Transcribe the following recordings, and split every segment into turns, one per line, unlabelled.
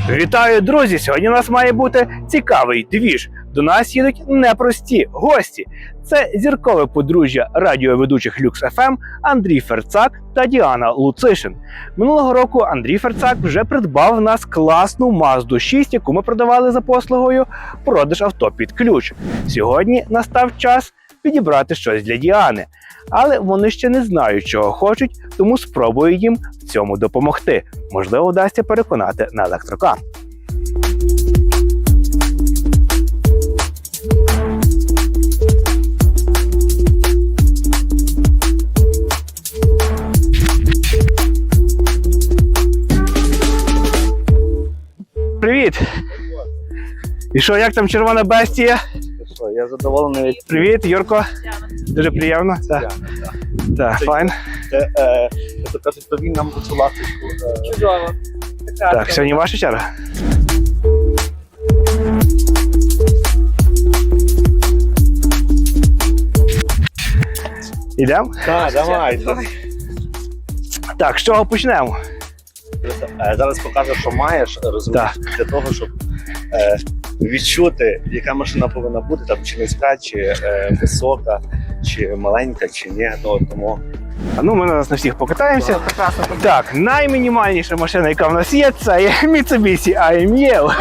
Вітаю, друзі! Сьогодні у нас має бути цікавий двіж. До нас їдуть непрості гості. Це зіркове подружжя радіоведучих Люкс ФМ Андрій Ферцак та Діана Луцишин. Минулого року Андрій Ферцак вже придбав в нас класну Mazda 6, яку ми продавали за послугою продаж авто під ключ. Сьогодні настав час підібрати щось для Діани. Але вони ще не знають, чого хочуть, тому спробую їм в цьому допомогти. Можливо, вдасться переконати на електрокар. Привіт! І що, як там червона бестія?
Я задоволений.
Привіт, Юрко. Дуже приємно. Так, файн.
Це кажуть, то він нам цю ласточку.
Чудово.
Так, сьогодні ваша черга. Ідемо?
Так, давай.
Так, з чого почнемо?
Зараз покажу, що маєш, розумієш, для того, щоб відчути, яка машина повинна бути, там чи низька, чи висока, чи маленька, чи ні. Тому...
Ну, ми на всіх покатаємося.
Прекрасно.
Так, наймінімальніша машина, яка в нас є, це є Mitsubishi AML.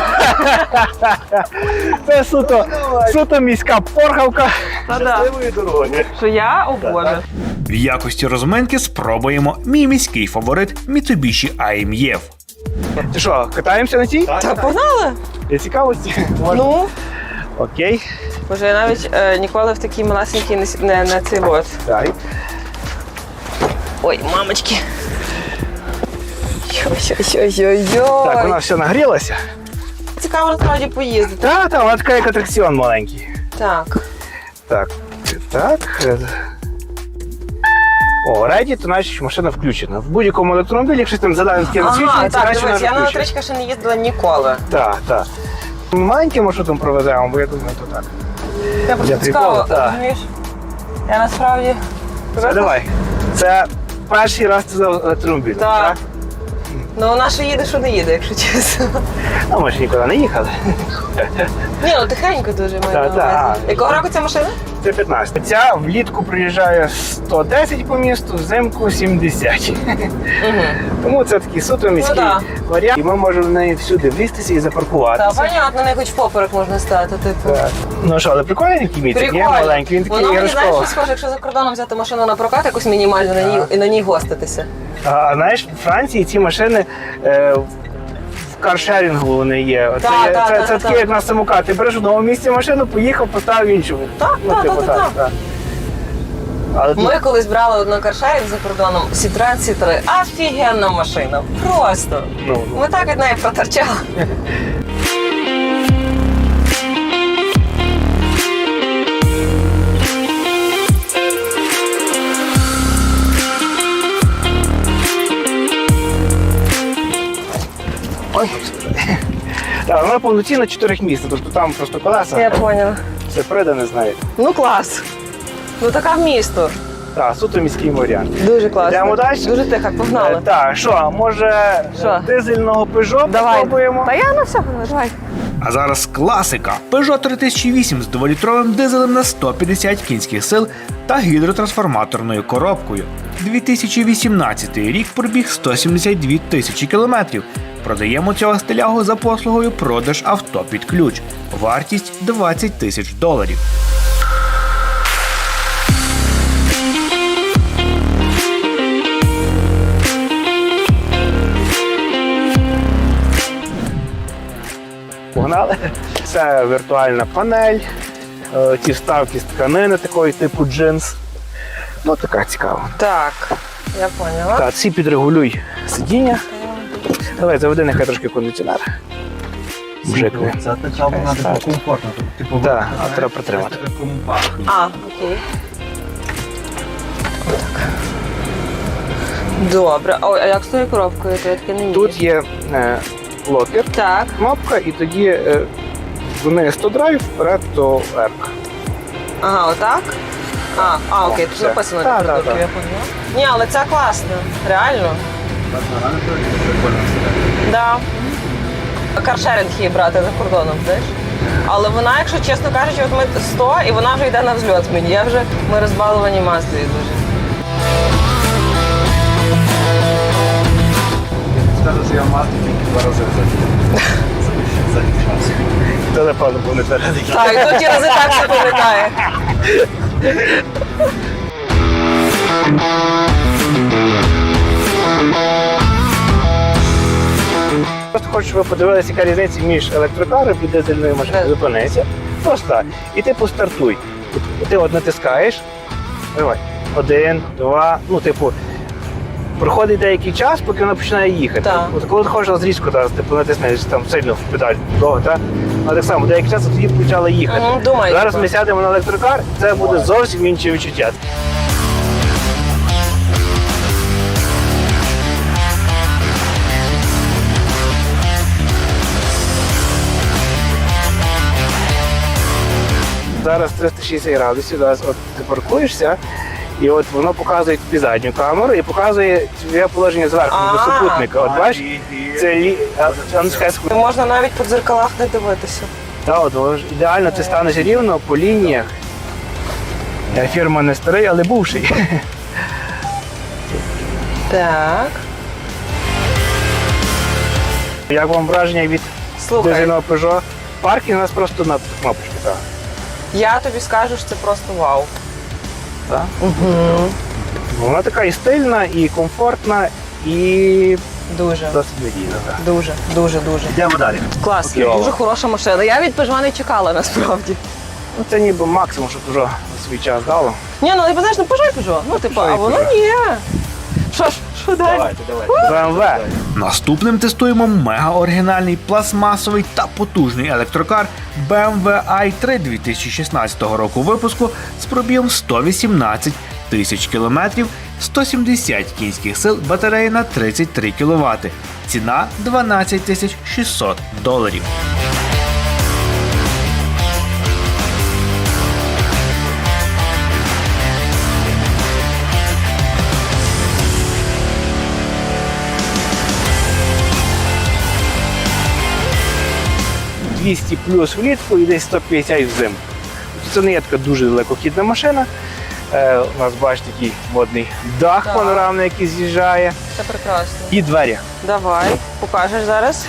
Це суто міська порхавка.
Щасливої дороги.
Що я? О Боже.
В якості розминки спробуємо мій міський фаворит Mitsubishi AMF.
Ти що, катаємося на цій?
Та погнали?
Для цікавості?
Ну,
Окей.
боже, я навіть ніколи в такій малесенькій не цей от.
Так.
Ой, мамочки. Йой-йой-йой-йой.
Так, вона все нагрілася.
Цікаво насправді поїздити.
Так, вона така як атракціон маленький.
Так.
Так. О, реді, то значить машина включена. В будь-якому електромобілі, якщо там задане таке насвічення,
Ага,
це
так,
значить вона
дивись, я на
включена.
електричках ще не їздила ніколи.
Так. Маленьким маршрутом провеземо, бо я думаю, то так.
Я просто
Для
цікаво,
приколу, так.
розумієш? Я насправді...
Все, давай. Це перший раз це за електромобіль.
Так. Ну, вона що їде, що не їде, якщо чесно.
А ми ж нікуди не їхали.
Ні, ну тихенько дуже маю на
Так.
увазі. Якого року ця машина?
Це 15. Ця влітку приїжджає 110 по місту, взимку 70.
Угу.
Тому це такий суто міський
да.
варіант. І ми можемо в неї всюди влізтися і запаркуватися.
Так, понятно, не хоч поперек можна стати, типу.
Так. Ну що, але прикольний такий мітик, є
Прикольно.
маленький, він такий
Воно мені, знаєш,
іграшковий.
що схоже, якщо за кордоном взяти машину на прокат якусь мінімальну і на ній гоститися.
А знаєш, в Франції ці машини в каршерінгу вони є. Це такі, як на самокат. Ти береш в одному місці машину, поїхав, поставив іншу.
Так.
Але тут
Ми колись брали одну каршерінг за кордоном, Citroen C3. Офігенна машина. Просто.
ну,
Ми так від неї проторчали.
ой. Так, вона повноцінна 4-місна, тобто там просто колеса.
Я поняла.
Це придане, знаєте.
Ну клас. Ну така в місто.
Так, суто міський варіант.
Дуже класно.
Йдемо далі?
Дуже тихо, погнали.
Так, що, може
Що?
дизельного Peugeot
Давай.
спробуємо?
Та я на все, давай.
А зараз класика Peugeot 3008 з 2-літровим дизелем на 150 кінських сил та гідротрансформаторною коробкою. 2018 рік пробіг 172 тисячі кілометрів. Продаємо цього стилягу за послугою продаж авто під ключ. Вартість $20 тисяч.
Погнали. Це віртуальна панель, ті вставки з тканини такої типу джинс. Ну, така цікава.
Так, я поняла.
Так, ці підрегулюй сидіння. Давай, заведи нехай трошки кондиціонер. Мужикне.
Це така вона
Так.
комфортна. Типу,
Так, а треба притримати.
А, окей. Так. Добре. Ой, а як з тою коробкою? То я таке не вмію.
Тут є локер,
Так.
кнопка, і тоді вниз то драйв, вперед то R.
Ага, отак? Окей, тут
все.
написано
Так,
продукт,
так,
я
так.
поняла. Ні, але це класно, реально. Да. каршеринг її брати за кордоном, знаєш? Але вона, якщо чесно кажучи, от ми 100, і вона вже йде на взльот мені. Ми розбаловані Маздою дуже.
Скажу, що я мати тільки 2 рази за час.
Це, напевно, був не твердий.
Так, і тут ті рази так все пам'ятає.
Просто хочу, щоб ви подивилися, яка різниця між електрокаром і дизельною машиною.
Так.
Зупинися. Просто так. І ти постартуй. Ти от натискаєш. Давай. 1, 2, ну, типу, проходить деякий час, поки вона починає їхати.
Так.
От коли ти хочеш розрізку, типу, натиснеш там сильно в педаль довго, так? А так само, деякий час тоді почала їхати.
Думаю.
Зараз ми сядемо на електрокар, це буде зовсім інші відчуття. Зараз 360 градусів, зараз от ти паркуєшся, і от воно показує тобі задню камеру і показує твоє положення зверху до супутника. От бачиш, це
Можна навіть по дзеркалах не дивитися.
от ідеально ти станеш рівно по лініях. Фірма не старий, але бувший.
Так.
Як вам враження від
Слухай,
дизельного Peugeot? Паркінг у нас просто на кнопочку. Так.
я тобі скажу, що це просто вау.
Так? Вона така і стильна, і комфортна, і
Дуже.
досить надійна. Так.
Дуже, дуже, дуже.
Йдемо далі.
Клас,
Окей.
дуже хороша машина. Я від Peugeot не чекала насправді.
Ну, це ніби максимум, що Peugeot на свій час дало.
Ні, ну ти знаєш, ну Peugeot. Ну, типу,
Peugeot
а
і
воно
Peugeot.
ні. Що далі?
BMW.
Наступним тестуємо мега-оригінальний пластмасовий та потужний електрокар BMW i3 2016 року випуску з пробігом 118 тисяч кілометрів, 170 кінських сил, батарея на 33 кВт. Ціна $12 600.
– 200 плюс влітку і десь 150 взимку. Це не є така дуже далекохідна машина. У нас, бачите, такий модний дах
Так.
панорамний, який з'їжджає.
Це прекрасно.
І двері.
Давай, покажеш зараз.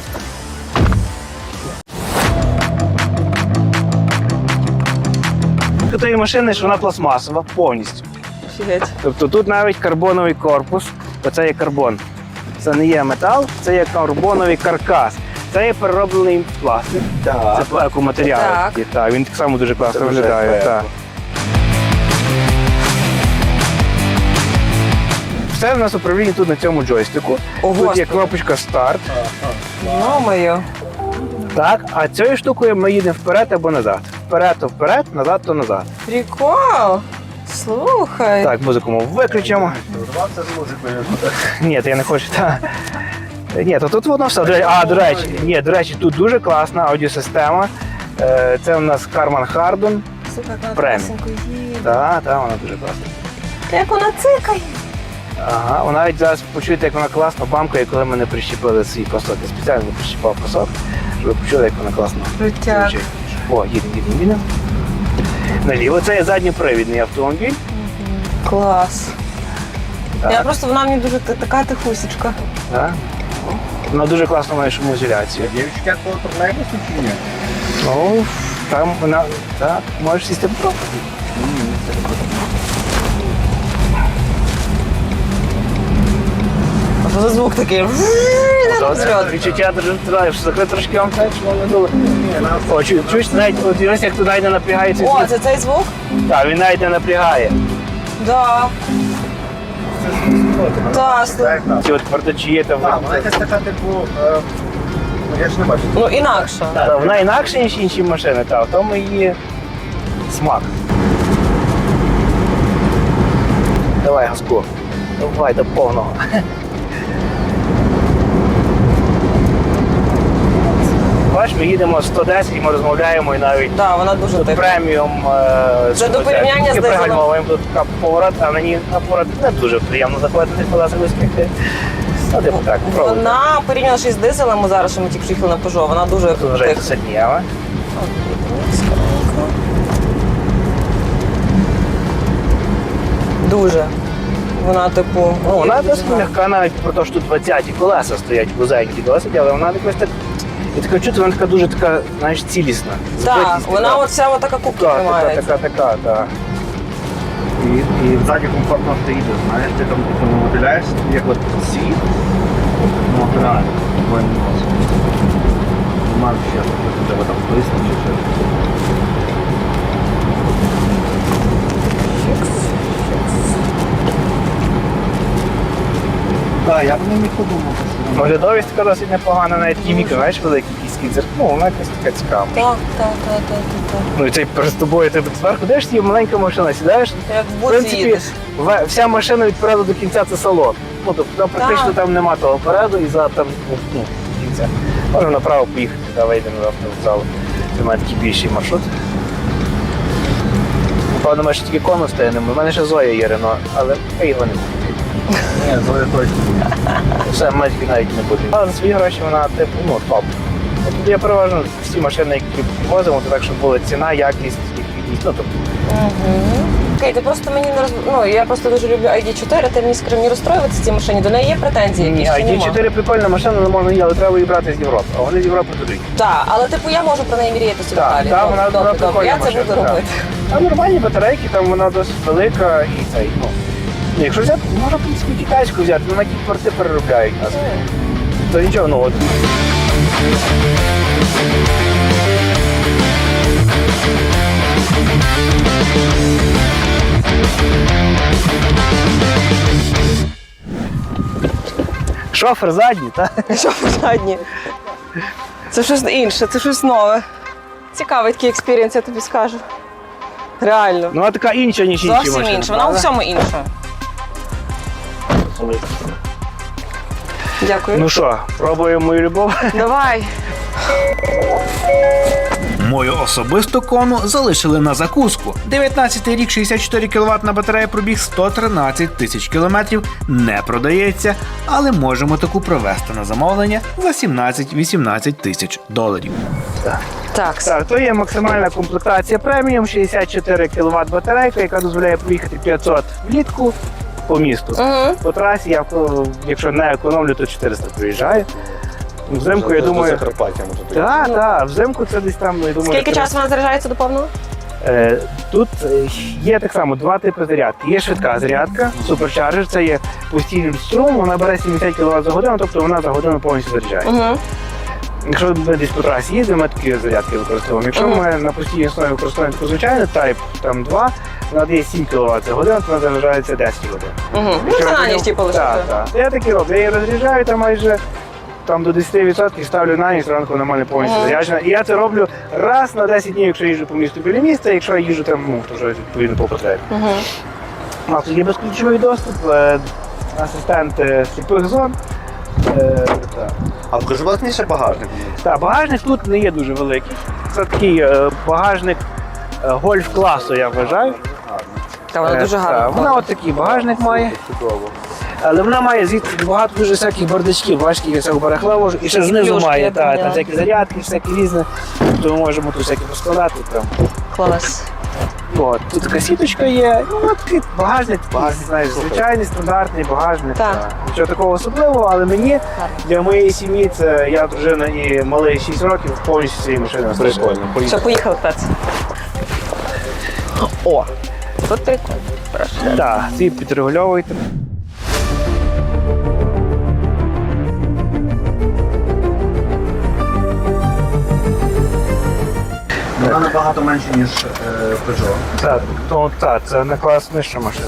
До тієї машини, що вона пластмасова повністю.
Офігеть.
Тобто тут навіть карбоновий корпус, оце є карбон. Це не є метал, це є карбоновий каркас. Це є перероблений пластик.
Так.
Це екоматеріал.
Так.
такий, так. Він так само дуже класно
Це вже
виглядає.
еко.
Так. Все в нас управління тут на цьому джойстику.
О,
Тут є
Господи.
кнопочка старт.
Йо-моє.
Так, а цією штукою ми їдемо вперед або назад. Вперед то вперед, назад то назад.
Прикол. Слухай.
Так, музику ми виключимо.
Урвався з музикою.
Ні, то я не хочу. Та. Ні, то тут воно все. До речі, тут дуже класна аудіосистема. Це у нас Harman Kardon.
Слухай, вона
Преміум.
класненько їде.
Так, вона дуже класна.
Як вона цикає.
Ага, ви навіть зараз почуєте, як вона класно бамкає, коли ми не прищепили свій пасок. Я спеціально не прищепав пасок, щоб ви почули, як вона класно
Крутяк.
звучить. О, їдемо. Наліво. Це є задньопривідний автомобіль.
Клас.
Так.
Я просто, вона мені дуже така тихусечка.
Так. Вона дуже класно має шумоізоляцію.
Дівчатка, коли тролейбусу чи ні?
Ну, там вона. Так, можеш сісти попробувати.
А що за звук такий?
Це
Взльот.
відчуття дуже що закрити трошки вам так, щоб воно не було. О, чуєш, навіть от ось як тут навіть не напрягається.
О, це цей звук?
Так, він навіть не напрягає.
Да. Так, слухай.
Ці от квартачі є там.
Так, вона якась така, типу, я ж не бачу.
Ну, інакше.
Так, вона інакше, ніж інші машини, так, в тому її смак. Давай газку. Давай до повного. Бачиш, ми їдемо 110 і ми розмовляємо і навіть
Да, вона дуже
тут
тиха.
преміум.
Це до порівняння з
тільки
дизелем.
пригальмовуємо, тут така поворот, а мені на поворот не дуже приємно заходити колеса вискрити. Ну, типу так, пробуйте.
Вона порівняно ще з дизелем, ми зараз, що ми тільки приїхали на Peugeot, вона дуже
Тут вже
тиха.
сильніше.
Дуже. Вона, типу,
Ну, вона
дуже
досить
гарна.
м'яка, навіть про те, що тут 20-ті колеса стоять вузенькі досить, але вона якось так. Я таке чути, вона така дуже така, знаєш, цілісна.
Так,
Збитість
вона
така.
от вся от така кубка
Така,
тримається.
так. І ззаді комфортно ти їдеш, знаєш, ти там виділяєш, як от світ, ну, реально, твоє нос. Немає ще, треба там блиснути чи щось.
Так, я б не міг подумати.
Оглядовість така досить непогана, навіть такі мікро, знаєш, великий кіський дзеркало, ну, вона якась така цікава.
Так.
Ну і цей перед тобою ти зверху дивишся, і маленька машина, сідаєш.
Як в
В
буці
принципі,
їдеш.
вся машина від переду до кінця це салон. Ну, тобто там практично там нема того переду і за там, ну, кінця. Можемо направо поїхати, та вийдемо до автовокзалу. Це має такий більший маршрут. Напевно, ми ще тільки кону стоїмо. У мене ще Зоя є Рено, але ми його не будемо.
Ні, Зоя точно.
Все, ми тільки навіть не будемо. Але за свої гроші вона типу, ну, топ. Тобто я переважно всі машини, які возимо, то так, щоб була ціна, якість, ліквідність. Ну, тобто,
Окей, ти просто мені не роз... Ну, я просто дуже люблю ID4, ти мені скажи, мені розстроюватися цій машині, до неї є претензії
ні,
якісь чи нема?
ID4 прикольна машина, але можна її, але треба її брати з Європи. А вони з Європи туди.
Так, але типу я можу про неї мріяти собі
Так,
далі.
так, вона
Добре,
прикольна
я це
машина,
буду
так.
робити.
Там нормальні батарейки, там вона досить велика і цей, ну. Якщо взяти, можна в принципі китайську взяти, але на ті порти переробляють нас. То нічого, ну от. Шофер задній, так?
Що задні? Це щось інше, це щось нове. Цікавий такий експірієнс, я тобі скажу. Реально.
Ну, вона така інша, ніж інші
Зовсім
машини.
інше, вона у
правда?
всьому інша. Дякую.
Ну що, пробуємо мою любов?
Давай.
Мою особисту кону залишили на закуску. 19-й рік, 64 кВт на батарея, пробіг 113 тисяч кілометрів, не продається, але можемо таку провести на замовлення за 17-18 тисяч доларів.
Так.
Так, то є максимальна комплектація преміум, 64 кВт батарейка, яка дозволяє проїхати 500 влітку по місту.
Угу.
По трасі я, якщо не економлю, то 400 проїжджаю. Взимку, я думаю,
Закарпаття може бути.
так, взимку це десь там, я думаю,
Скільки часу вона заряджається до повного?
Тут є так само два типи зарядки. Є швидка зарядка, суперчарджер, це є постійний струм, вона бере 70 кВт за годину, тобто вона за годину повністю заряджає.
Угу.
Якщо ми десь по трасі їздимо, ми такі зарядки використовуємо. Якщо ми на постійній основі використовуємо таку звичайну Type там 2, вона дає 7 кВт за годину, то вона заряджається 10 годин.
Угу. Ну, це на ніч типу лише.
Так. Я такі роблю. Я її розряджаю там майже там до 10%, ставлю на ніч, ранку нормально повністю заряджена. І я це роблю раз на 10 днів, якщо їжджу по місту біля міста, якщо я їжджу там, ну, то вже відповідно по потребі.
Угу.
У нас тут є безключовий доступ, асистент сліпих зон. Так.
А покажи, будь ласка, ще багажник.
Так, багажник тут не є дуже великий. Це такий багажник гольф-класу, я вважаю.
Та вона дуже
Так,
гарна.
вона от такий багажник має.
Чудово.
Але вона має звідси багато дуже всяких бардачків, бачите, всякого барахла, і ще знизу
Плюшки,
має
я
там
поняла.
всякі зарядки, всякі різне. То ми можемо тут всякі поскладати. Там.
Клас.
От, тут така сіточка є. Ну, от такий багажник, знаєш, звичайний, стандартний багажник.
Так.
Нічого такого особливого, але мені, для моєї сім'ї, це я дружина і малий 6 років, повністю цієї машини вистачає.
Прикольно.
Все, поїхали, Пец. О, тут прикольно. Прошу.
Так, ці підрегульовуйте.
Вона набагато менше, ніж Peugeot.
Так, так, це на клас нижча машина.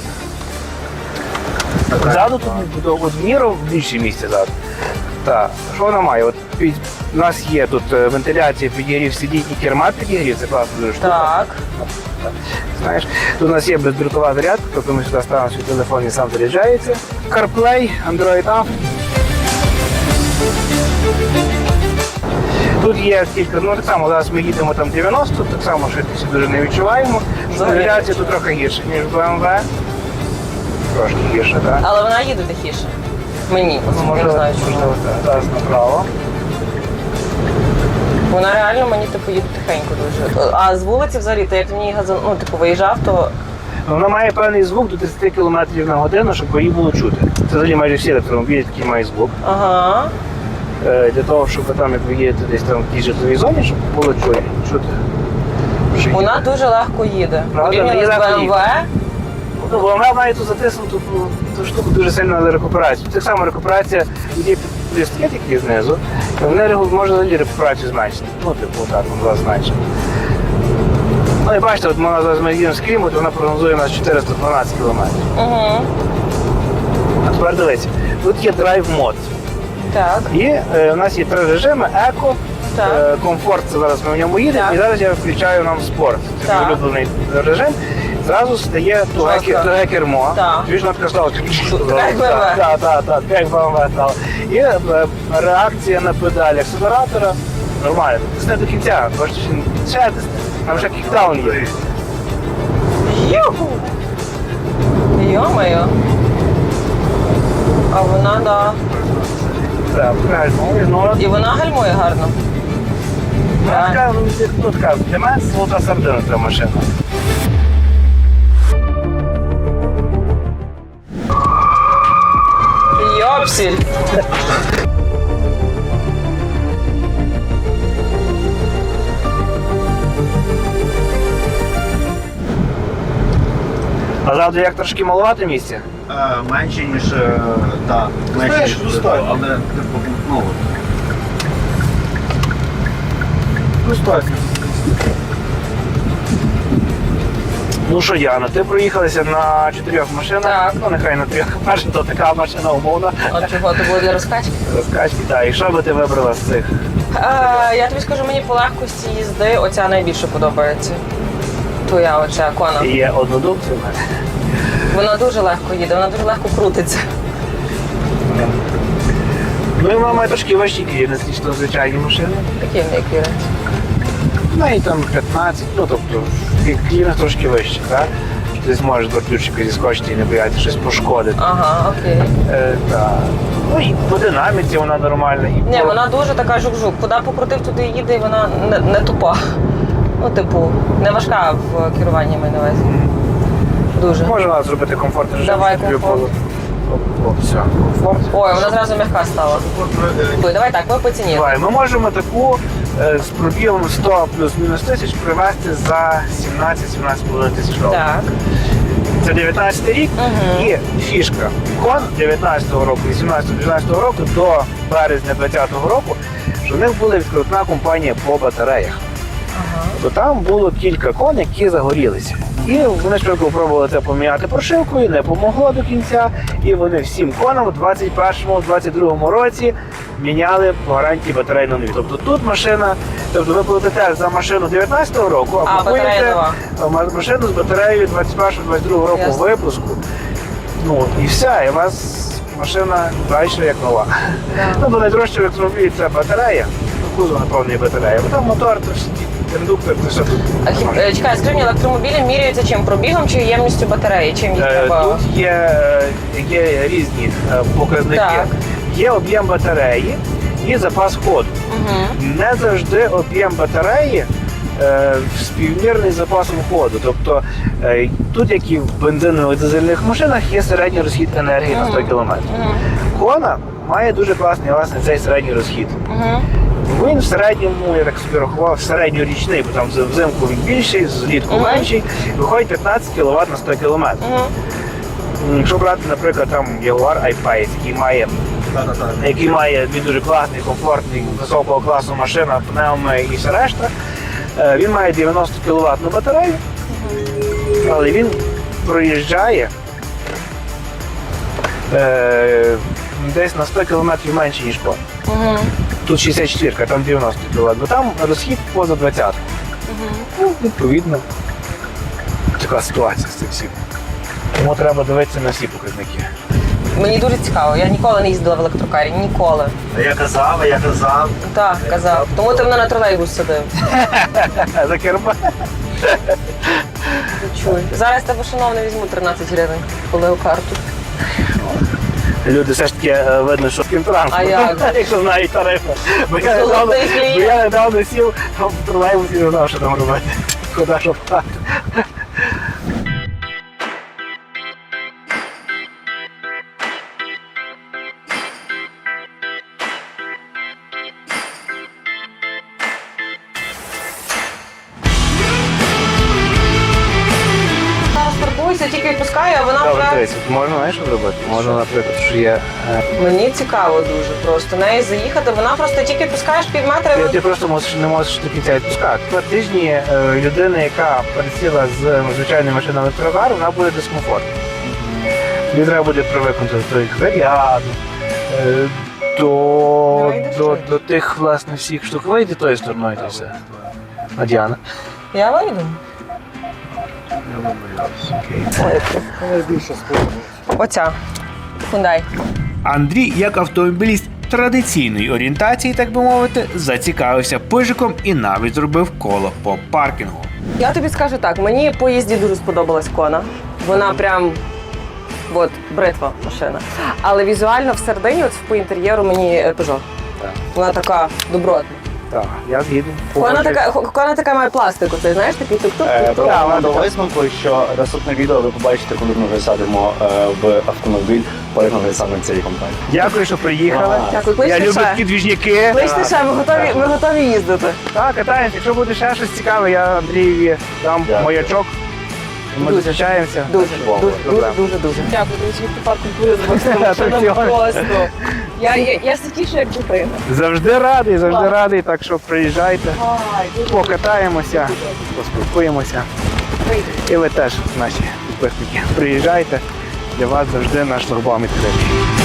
Ззаду тут от в міру більше місця ззаду. Так, що вона має? От у нас є тут вентиляція, підігрів сидінь і керма підігрів, це класно дуже штука.
Так.
Знаєш, тут у нас є бездрукова зарядка, тобто ми сюди ставимо свій телефон і сам заряджається. CarPlay, Android Auto. Тут є кілька, ну так само, зараз ми їдемо там 90, так само швидкості дуже не відчуваємо. Навігація тут трохи гірша, ніж в BMW. Трошки гірша, так.
Але вона їде тихіше. Мені, я не знаю чому.
можливо, так. Зараз направо.
Вона реально мені типу їде тихенько дуже. А з вулиці взагалі, то як в ній ну, типу, виїжджав, то
Вона має певний звук до 30 км на годину, щоб її було чути. Це взагалі майже всі електромобілі такі мають звук.
ага.
Для того, щоб там, як ви їдете десь там в якійсь житловій зоні, щоб було чути. Що
Вона
їде.
дуже легко їде.
Правда?
Порівняно з
Її легко
BMW.
Ну, бо вона має тут затиснуту ту штуку дуже сильно на рекуперацію. Так само рекуперація, є листки такі знизу, і вони може взагалі рекуперацію зменшити. Ну, типу, так, вона зменшить. Ну, і бачите, от ми їдемо з Криму, то вона прогнозує у нас 412 км.
Угу.
А тепер дивіться, тут є драйв мод.
Так.
І у нас є 3 режими: еко,
Так.
комфорт, це зараз ми в ньому їдемо,
Так.
і зараз я включаю нам спорт. Це
Так.
мій улюблений режим. Зразу стає туге кермо.
Так.
Чуєш, вона така стала.
Як BMW.
Так, як BMW стало. І реакція на педалі акселератора нормально. Тисне до кінця, бачите, ще тисне. Там вже кікдаун є.
Юху! Йо-моє. А вона, да.
Так, правильно.
І вона гальмує гарно.
Вона така, ну така, для мене це золота середина ця машина.
Йопсіль.
А завтра як трошки малувати місця?
Менше, ніж так. Менше, ніж достатньо. Але типу, ну. Достатньо.
Ну що, Яна, ти проїхалася на 4 машинах.
Так.
Ну нехай на 3. Перша то така машина умовна.
А чого, то було для розкачки?
Розкачки, так. І що би ти вибрала з цих?
Я тобі скажу, мені по легкості їзди оця найбільше подобається. Твоя оця Кона.
Є однодумці в мене.
Вона дуже легко їде, вона дуже легко крутиться.
Ну і вона має трошки важчі кліренс, ніж то звичайні машини.
Такі в неї кліренс.
Ну і там 15, ну тобто кліренс трошки вищий, так? Що ти зможеш до ключика зіскочити і не боятися щось пошкодити.
Ага, окей.
Так. Ну і по динаміці вона нормальна. І
Ні,
по-
вона дуже така жук-жук. Куди покрутив, туди їде, і вона не тупа. Ну, типу, не важка в керуванні, маю на увазі. Дуже.
Можна зробити комфортний режим.
Давай,
щоб тобі
комфорт.
було- О, все, комфорт.
Ой, вона зразу м'яка стала. Ой, давай так, ми по ціні.
Давай, ми можемо таку з пробігом 100 плюс-мінус тисяч привезти за 17-17,5 тисяч доларів.
Так.
Це 19 рік
Мгм.
і фішка. Кон 19-го року, 18-19 року до березня 20-го року, що в них була відкрутна компанія по батареях.
Ага.
То там було кілька кон, які загорілися. І вони швидко пробували це поміняти прошивкою, не помогло до кінця. І вони всім конам у 21-22 році міняли по гарантії батарейну нові. Тобто тут машина, тобто ви платите за машину 19-го року,
А, батарея
купуєте
нова.
машину з батареєю 21-22 року
Ясно.
випуску. Ну і все, і у вас машина далі як нова.
Да.
Ну, бо найдорожче в електромобілі це батарея, ну, кузов наповнений батарея, бо там мотор, то ж індуктор, то все тут.
Чекай, скажи мені, електромобілі міряються чим? Пробігом чи ємністю батареї? Чим їх треба?
Тут є різні показники.
Так.
Є об'єм батареї і запас ходу.
Угу.
Не завжди об'єм батареї співмірний з запасом ходу. Тобто тут, як і в бензинових дизельних машинах, є середній розхід енергії на 100 км.
Угу.
Кона має дуже класний власне цей середній розхід.
Угу.
Він в середньому, я так собі рахував, середньорічний, бо там взимку він більший, злітку
Мгм.
менший, виходить 15 кВт на 100 км.
Угу.
Якщо брати, наприклад, там Jaguar I-Pace, який має він дуже класний, комфортний, високого класу машина, пневми і все решта, він має 90 кВт батарею, але він проїжджає десь на 100 км менше, ніж кон.
Угу.
Тут 64, там 90 кВт, бо там розхід поза 20. Ну, відповідно, така ситуація з цим всім. Тому треба дивитися на всі показники.
Мені дуже цікаво. Я ніколи не їздила в електрокарі. Ніколи.
Я казав.
Так, казав. Тому ти мене на тролейбус садив.
За керма.
Чуй. Зараз тебе, шановний, візьму 13 гривень по карту.
Люди все ж таки видно, що з
А як?
якщо знають тарифи. Бо я
Золотий клієнт.
недавно сів в тролейбус і не знав, що там робити. Куди що впати.
Зараз паркуюся, тільки відпускаю, а вона
Добре,
вже...
дивіться, можна, знаєш, що зробити? Можна, наприклад, що є...
Мені цікаво дуже просто неї заїхати. Вона просто тільки відпускаєш пів метра. і
Ти просто не можеш до кінця відпускати. 2 тижні людина, яка пересіла з звичайної машини на електрокар, вона буде дискомфортна. Їй треба буде привикнути до тих заряду, до тих, власне, всіх штук. Вийди тою стороною, то все. А Діана?
Я вийду. Оця. Hyundai.
Андрій, як автомобіліст традиційної орієнтації, так би мовити, зацікавився пижиком і навіть зробив коло по паркінгу.
Я тобі скажу так, мені по їзді дуже сподобалась Кона. Вона прям от, бритва машина. Але візуально всередині, от по інтер'єру мені Peugeot.
Так.
Вона така добротна.
Так, я згідний.
Кона така має пластику, ти знаєш, такий тук-тук.
Прямо до висновку, що наступне відео ви побачите, коли ми висадимо в автомобіль, порівняно саме цієї компанії.
Дякую, що приїхали.
Дякую,
Я
кличте
люблю
ще.
такі двіжняки.
Кличте ще, ми готові їздити.
Так, катаємося. Якщо буде ще щось цікаве, я Андрієві дам
Дякую.
маячок. Ми
Дуже.
зустрічаємося.
Дуже,
Добре.
дуже. Дякую, друзі, тепер культури
Атракціони.
просто. Я сидішу як дитина.
Завжди радий, так що приїжджайте, покатаємося, поспілкуємося. І ви теж, наші підписники, приїжджайте. Для вас завжди наш шлагбаум відкритий.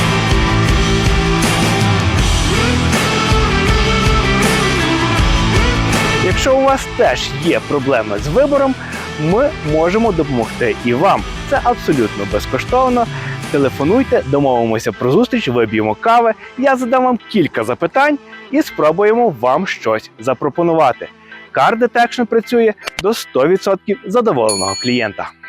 Якщо у вас теж є проблеми з вибором, ми можемо допомогти і вам. Це абсолютно безкоштовно. Телефонуйте, домовимося про зустріч, вип'ємо кави, я задам вам кілька запитань і спробуємо вам щось запропонувати. Car Detection працює до 100% задоволеного клієнта.